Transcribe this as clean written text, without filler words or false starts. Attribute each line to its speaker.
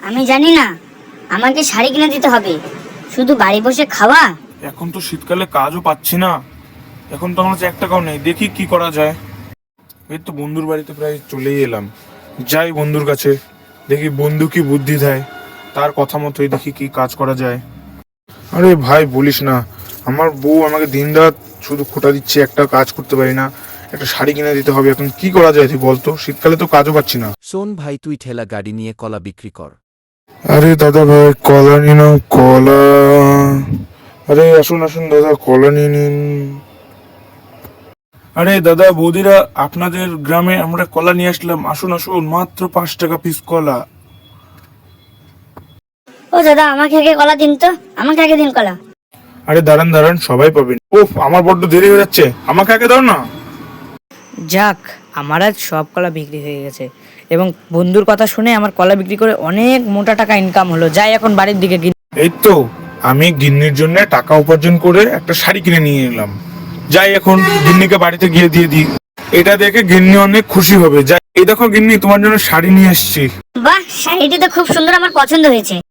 Speaker 1: আমি জানি না, আমাকে শাড়ি কিনে দিতে হবে। শুধু বাড়ি বসে খাওয়া?
Speaker 2: এখন তো শীতকালে কাজও পাচ্ছি না, এখন তো আমার কাছে 1 টাকাও নেই। দেখি কি করা যায়। এই তো বন্ধুর বাড়িতে প্রায় চলেই এলাম, যাই বন্ধুর কাছে, দেখি বন্ধু কি বুদ্ধি দেয়, তার কথা মতোই দেখি কি কাজ করা যায়। আরে ভাই বলিস না, আমার বউ আমাকে দিনরাত শুধু খোঁটা দিচ্ছে, একটা কাজ করতে পারি না। একটা শাড়ি কিনে দিতে হবে, এখন কি করা যায় তুই বলতো, শীতকালে তো কাজও পাচ্ছি না।
Speaker 3: শোন ভাই, তুই ঠেলা গাড়ি নিয়ে কলা বিক্রি কর।
Speaker 2: আরে দাদা ভাই কলা নিন, কলা। আরে আসুন আসুন দাদা, কলা নিয়ে নিন। আরে দাদা বৌদিরা, আপনাদের গ্রামে আমরা কলা নিয়ে আসলাম, আসুন আসুন, মাত্র 5 টাকা পিস কলা।
Speaker 1: ও দাদা, আমাকে আগে কলা দিন তো, আমাকে আগে দিন কলা।
Speaker 2: আরে দাঁড়ান দাঁড়ান, সবাই পাবেন। ওহ, আমার বড্ড দেরি হয়ে যাচ্ছে, আমাকে আগে দাও না।
Speaker 4: যাক, আমার আজ সব কলা বিক্রি হয়ে গেছে এবং বন্ধুর কথা শুনে আমার কলা বিক্রি করে অনেক মোটা টাকা ইনকাম হলো। যাই এখন বাড়ির দিকে
Speaker 2: এই তো আমি গিন্নির জন্য টাকা উপার্জন করে একটা শাড়ি কিনে নিয়ে এলাম, যাই এখন গিন্নিকে বাড়িতে গিয়ে দিয়ে দিই। এটা দেখে গিন্নি অনেক খুশি হবে। যাই, এই দেখো গিন্নি, তোমার জন্য শাড়ি নিয়ে এসেছি।
Speaker 1: বাহ, শাড়িটি তো খুব সুন্দর, আমার পছন্দ হয়েছে।